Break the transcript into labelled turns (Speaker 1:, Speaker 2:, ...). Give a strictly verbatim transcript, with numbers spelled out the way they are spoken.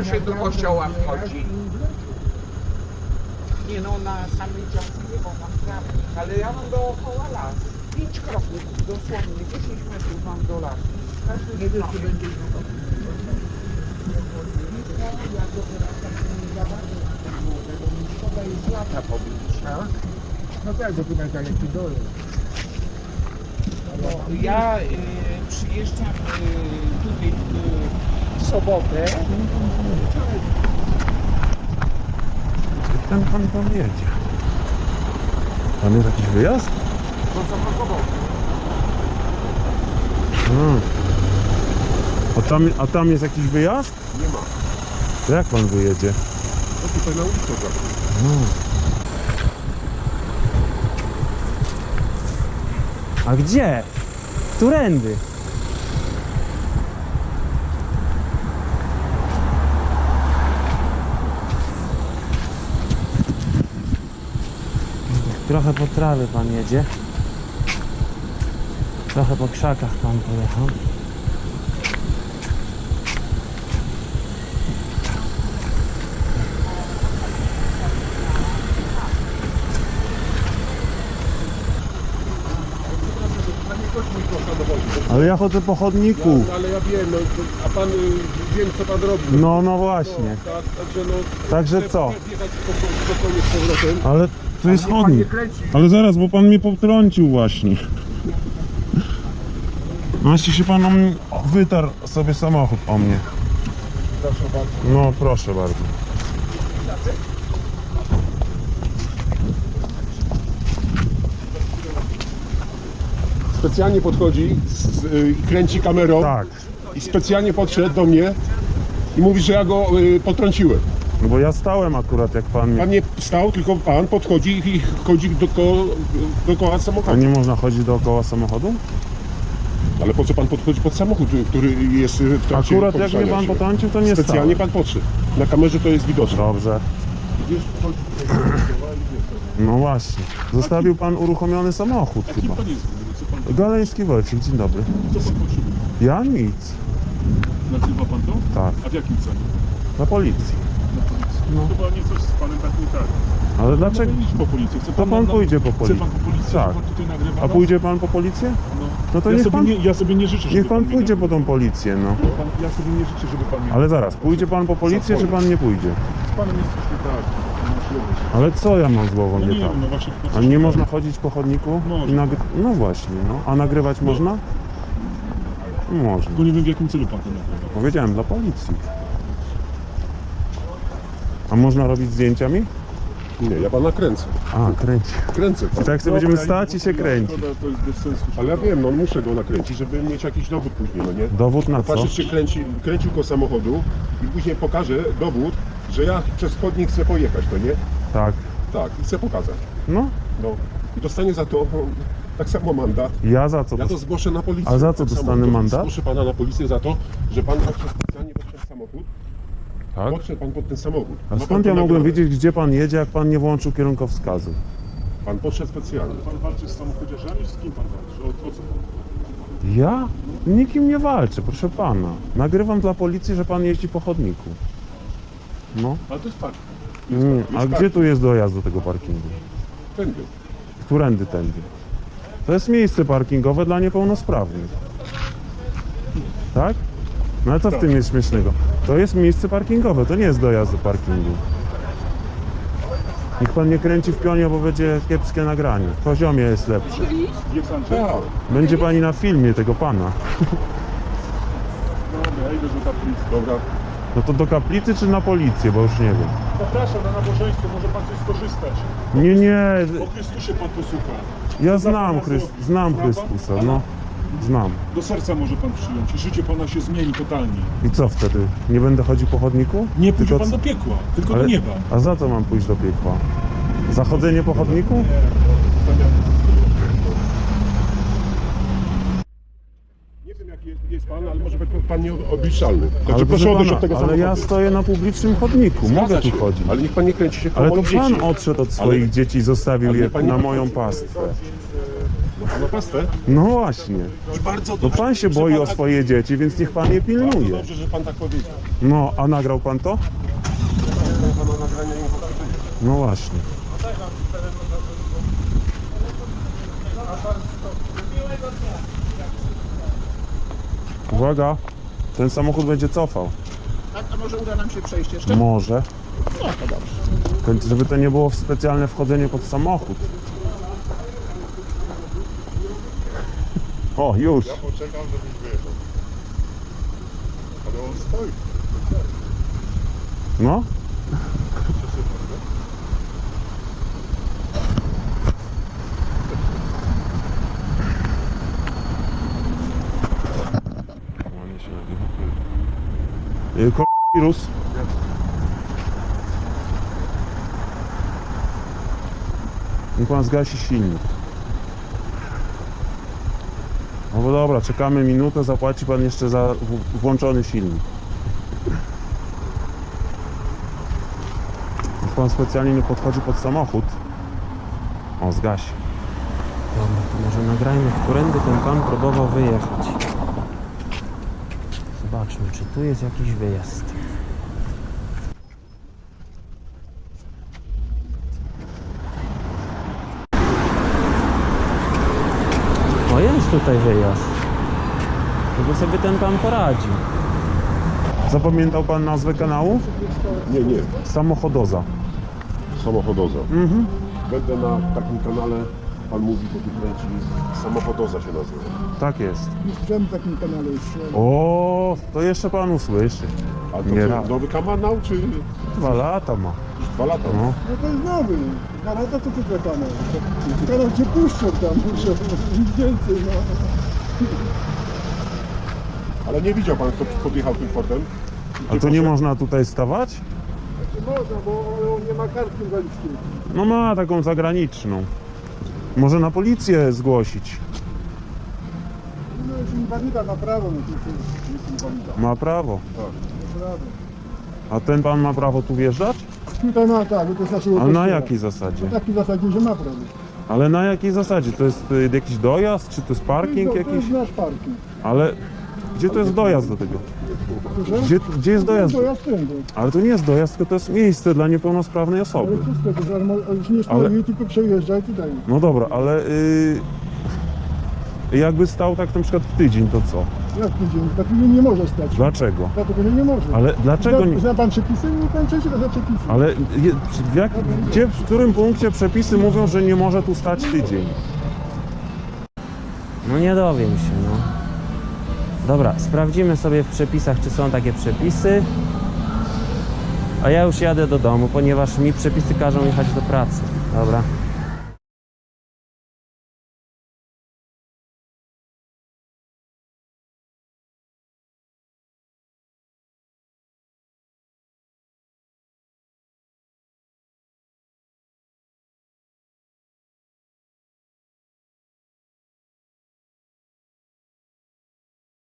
Speaker 1: się do kościoła wchodzi. Nie no, na samej działce nie, bo mam trawnik, ale ja mam dookoła las. Pięć kroków, dosłownie, dziesięć metrów mam do lasu. Każdy nie wie, czy będzie szkoda jest lata pobić.
Speaker 2: No tak, bo tu na daleki dole.
Speaker 1: No, ja y, przyjeżdżam y, tutaj y, w sobotę.
Speaker 3: Ten pan tam jedzie. Tam jest jakiś wyjazd?
Speaker 2: To zablokował.
Speaker 3: Hmm. A, tam, a tam jest jakiś wyjazd?
Speaker 2: Nie ma.
Speaker 3: To jak pan wyjedzie?
Speaker 2: No tutaj na ulicę zawsze.
Speaker 3: Hmm.
Speaker 4: A gdzie? Którędy? Trochę po trawie pan jedzie. Trochę po krzakach pan pojechał.
Speaker 3: Ale ja chodzę po chodniku.
Speaker 2: No, ale ja wiem, no, a pan y, wiem co pan robi.
Speaker 3: No, no właśnie.
Speaker 2: Tak, także no.
Speaker 3: Także
Speaker 2: chcę
Speaker 3: co?
Speaker 2: Jechać spokojnie z powrotem.
Speaker 3: Ale tu jest
Speaker 2: Niech pan
Speaker 3: chodnik.
Speaker 2: nie kręci.
Speaker 3: Ale zaraz, bo pan mnie potrącił właśnie. Właśnie się pan o mnie wytarł sobie samochód o mnie.
Speaker 2: Proszę bardzo.
Speaker 3: No proszę bardzo.
Speaker 2: Specjalnie podchodzi, z, y, kręci kamerą
Speaker 3: Tak.
Speaker 2: i specjalnie podszedł do mnie i mówi, że ja go y, potrąciłem.
Speaker 3: No bo ja stałem akurat jak pan mnie...
Speaker 2: Pan nie stał, tylko pan podchodzi i chodzi dookoła, dookoła
Speaker 3: A
Speaker 2: samochodu.
Speaker 3: nie można chodzić dookoła samochodu?
Speaker 2: Ale po co pan podchodzi pod samochód, który jest w trakcie
Speaker 3: Akurat jak mnie
Speaker 2: poruszania
Speaker 3: pan
Speaker 2: się?
Speaker 3: potrącił, to nie
Speaker 2: Specjalnie
Speaker 3: stałem.
Speaker 2: pan podszedł. Na kamerze to jest widoczne.
Speaker 3: Dobrze.
Speaker 2: Widzisz, chodzi tutaj dookoła i wiesz,
Speaker 3: No właśnie. Zostawił pan uruchomiony samochód chyba.
Speaker 2: pan jest? Co pan,
Speaker 3: Galeński Wojciech, dzień dobry.
Speaker 2: co pan potrzebuje?
Speaker 3: Ja nic.
Speaker 2: Nagrywa pan to?
Speaker 3: Tak.
Speaker 2: A w jakim celu?
Speaker 3: Na policji.
Speaker 2: Na policji.
Speaker 3: No.
Speaker 2: Chyba nie coś z panem tak nie tak.
Speaker 3: Ale dlaczego?
Speaker 2: No, idź po policję. Chce
Speaker 3: To pan
Speaker 2: na-
Speaker 3: pójdzie po
Speaker 2: Chce
Speaker 3: policję.
Speaker 2: pan po policję,
Speaker 3: Tak.
Speaker 2: pan tutaj nagrywa?
Speaker 3: A
Speaker 2: no?
Speaker 3: pójdzie pan po policję?
Speaker 2: No.
Speaker 3: No to
Speaker 2: ja,
Speaker 3: niech
Speaker 2: sobie
Speaker 3: pan-
Speaker 2: nie, ja sobie nie życzę, żeby
Speaker 3: Niech pan
Speaker 2: mnie
Speaker 3: pójdzie po
Speaker 2: nagrywał.
Speaker 3: tą policję, no.
Speaker 2: Pan, ja sobie nie życzę, żeby pan mnie...
Speaker 3: Ale zaraz, pójdzie pan po policję, czy pan nie pójdzie?
Speaker 2: Z panem jest coś nie tak. No, świetnie.
Speaker 3: Ale co ja mam z głową
Speaker 2: No
Speaker 3: nie
Speaker 2: nie
Speaker 3: tak?
Speaker 2: wiem, no właśnie...
Speaker 3: A nie można chodzić po chodniku?
Speaker 2: Można.
Speaker 3: I nagry... No właśnie, no. A nagrywać można? Można.
Speaker 2: Tylko nie wiem, w jakim celu pan to nagrywa.
Speaker 3: Powiedziałem, dla policji. A można robić zdjęciami?
Speaker 2: Nie, ja pana kręcę.
Speaker 3: A, kręci.
Speaker 2: Kręcę.
Speaker 3: I tak sobie będziemy stać i się kręcić.
Speaker 2: To jest bez sensu. Ale ja wiem, no muszę go nakręcić, żeby mieć jakiś dowód później, no nie?
Speaker 3: Dowód na co?
Speaker 2: Patrzeć się kręci, kręcił go samochodu i później pokażę dowód, że ja przez chodnik chcę pojechać, to nie?
Speaker 3: Tak.
Speaker 2: Tak, i chcę pokazać.
Speaker 3: No,
Speaker 2: No. I dostanie za to no, tak samo mandat.
Speaker 3: ja za co?
Speaker 2: Ja to zgłoszę na policję.
Speaker 3: A za co
Speaker 2: tak samo
Speaker 3: dostanę
Speaker 2: to
Speaker 3: mandat?
Speaker 2: Zgłoszę pana na policję za to, że pan podszedł specjalnie pod ten samochód.
Speaker 3: Tak?
Speaker 2: Podszedł pan pod ten samochód.
Speaker 3: A
Speaker 2: Ma pan
Speaker 3: skąd
Speaker 2: to
Speaker 3: ja mogłem
Speaker 2: nagrane.
Speaker 3: wiedzieć, gdzie pan jedzie, jak pan nie włączył kierunkowskazu?
Speaker 2: Pan podszedł specjalnie.
Speaker 5: Pan walczy z samochodziarzami, czy z kim pan walczy? O, o co pan?
Speaker 3: Ja? Nikim nie walczę, proszę pana. Nagrywam dla policji, że pan jeździ po chodniku. No.
Speaker 5: Ale to jest fakt.
Speaker 3: Nie. A gdzie tu jest dojazd do tego parkingu?
Speaker 2: Tędy.
Speaker 3: Którędy tędy? To jest miejsce parkingowe dla niepełnosprawnych. Tak? No ale co w tym jest śmiesznego? To jest miejsce parkingowe, to nie jest dojazd do parkingu. Niech pan nie kręci w pionie, bo będzie kiepskie nagranie. W poziomie jest lepsze.
Speaker 5: Jest Andrzej?
Speaker 2: Tak.
Speaker 3: Będzie pani na filmie tego pana.
Speaker 5: Dobra, ja idę do kaplicy.
Speaker 2: Dobra.
Speaker 3: No to do kaplicy czy na policję, bo już nie wiem.
Speaker 5: Zapraszam na nabożeństwo, może pan coś skorzystać.
Speaker 3: Nie, nie,
Speaker 5: O Chrystusie pan posłucha.
Speaker 3: ja znam, Chryst znam Chrystusa, no. Znam.
Speaker 5: Do serca może pan przyjąć i życie pana się zmieni totalnie.
Speaker 3: I co wtedy? Nie będę chodził po chodniku?
Speaker 5: Nie pójdzie
Speaker 3: Tylko
Speaker 5: pan
Speaker 3: co-
Speaker 5: do piekła, tylko
Speaker 3: Ale-
Speaker 5: do nieba.
Speaker 3: A za co mam pójść do piekła? Za chodzenie po chodniku?
Speaker 2: Nie wiem jaki jest, jest pan, ale może być pan nieobliczalny. Także
Speaker 3: Ale,
Speaker 2: proszę
Speaker 3: proszę
Speaker 2: odejść
Speaker 3: pana,
Speaker 2: od tego
Speaker 3: ale
Speaker 2: samochodu.
Speaker 3: ja stoję na publicznym chodniku,
Speaker 2: Zgadza
Speaker 3: mogę tu
Speaker 2: się,
Speaker 3: chodzić.
Speaker 2: Ale niech pan nie kręci się
Speaker 3: Ale
Speaker 2: koło
Speaker 3: to
Speaker 2: dzieci.
Speaker 3: pan odszedł od swoich
Speaker 2: Ale-
Speaker 3: dzieci i zostawił
Speaker 2: ale
Speaker 3: je
Speaker 2: pan nie
Speaker 3: na
Speaker 2: podchodzi.
Speaker 3: moją pastwę.
Speaker 2: No pan ma pastę?
Speaker 3: No właśnie.
Speaker 2: I bardzo
Speaker 3: No
Speaker 2: dobrze.
Speaker 3: pan się
Speaker 2: że
Speaker 3: boi
Speaker 2: pan
Speaker 3: o
Speaker 2: tak-
Speaker 3: swoje dzieci, więc niech pan je
Speaker 2: Bardzo
Speaker 3: pilnuje.
Speaker 2: dobrze, że pan tak powiedział.
Speaker 3: No, a nagrał pan to?
Speaker 2: Pana nagrania nie pokazuje.
Speaker 3: No właśnie. Uwaga, ten samochód będzie cofał.
Speaker 6: Tak, a może uda nam się przejść jeszcze?
Speaker 3: Może.
Speaker 6: No to dobrze.
Speaker 3: Tylko żeby to nie było specjalne wchodzenie pod samochód. O, już.
Speaker 2: Ja poczekam, żebyś wyjechał. Ale on stoi.
Speaker 3: No. Y, ko- Wirus. Niech pan zgasi silnik. No bo dobra, czekamy minutę, zapłaci pan jeszcze za w- włączony silnik. Niech pan specjalnie nie podchodzi pod samochód. O, zgasi.
Speaker 4: Dobra, to może nagrajmy, którędy ten pan próbował wyjechać. Zobaczmy, czy tu jest jakiś wyjazd. O, jest tutaj wyjazd. Tylko sobie ten pan poradzi.
Speaker 3: Zapamiętał pan nazwę kanału?
Speaker 2: Nie, nie.
Speaker 3: Samochodoza.
Speaker 2: Samochodoza.
Speaker 3: Mhm.
Speaker 2: Będę na takim kanale, pan mówi, bo tu kręci, Samochodoza się nazywa.
Speaker 3: Tak jest.
Speaker 6: Jestem w takim kanale jeszcze.
Speaker 3: O, to jeszcze pan usłyszy.
Speaker 2: A to
Speaker 3: Nie
Speaker 2: co,
Speaker 3: raz.
Speaker 2: nowy kanał, czy
Speaker 3: Dwa lata ma.
Speaker 2: już dwa lata?
Speaker 3: No.
Speaker 6: No to jest nowy. Dwa lata to tylko kanał. Kanał cię puszczą tam, muszę nic więcej, no.
Speaker 2: Ale nie widział pan, kto podjechał tym Fordem?
Speaker 3: A to nie można tutaj stawać?
Speaker 6: Można, bo on nie ma kartki inwalidzkiej.
Speaker 3: No ma taką zagraniczną. Może na policję zgłosić.
Speaker 6: No jest inwalida na prawo, no to jest, jest inwalida.
Speaker 3: Ma prawo.
Speaker 6: Naprawdę.
Speaker 3: A ten pan ma prawo tu wjeżdżać?
Speaker 6: Tutaj ma tak, bo to jest naszego
Speaker 3: Ale na
Speaker 6: kościoła.
Speaker 3: jakiej zasadzie?
Speaker 6: W takiej zasadzie, że ma prawo.
Speaker 3: Ale na jakiej zasadzie? To jest y, jakiś dojazd? Czy to jest parking
Speaker 6: to, to
Speaker 3: jakiś?
Speaker 6: jest nasz parking.
Speaker 3: Ale gdzie to jest dojazd do tego?
Speaker 6: Proszę?
Speaker 3: Gdzie, gdzie jest dojazd?
Speaker 6: To ja stędę.
Speaker 3: Ale to nie jest dojazd, tylko to jest miejsce dla niepełnosprawnej osoby.
Speaker 6: Ale co z tego, że on już nie
Speaker 3: Ale-
Speaker 6: stoi, tylko przejeżdża i tutaj.
Speaker 3: No dobra, ale y, jakby stał tak na przykład w tydzień, to co?
Speaker 6: Jak tydzień? Takiego nie może stać.
Speaker 3: Dlaczego?
Speaker 6: Dlatego że nie może.
Speaker 3: Ale dlaczego
Speaker 6: Zna,
Speaker 3: nie?
Speaker 6: zna pan przepisy? Nie pan przeczyta za przepisy.
Speaker 3: Ale je, w, jak, gdzie, w którym punkcie przepisy mówią, że nie może tu stać tydzień?
Speaker 4: No nie dowiem się, no. Dobra, sprawdzimy sobie w przepisach, czy są takie przepisy. A ja już jadę do domu, ponieważ mi przepisy każą jechać do pracy. Dobra.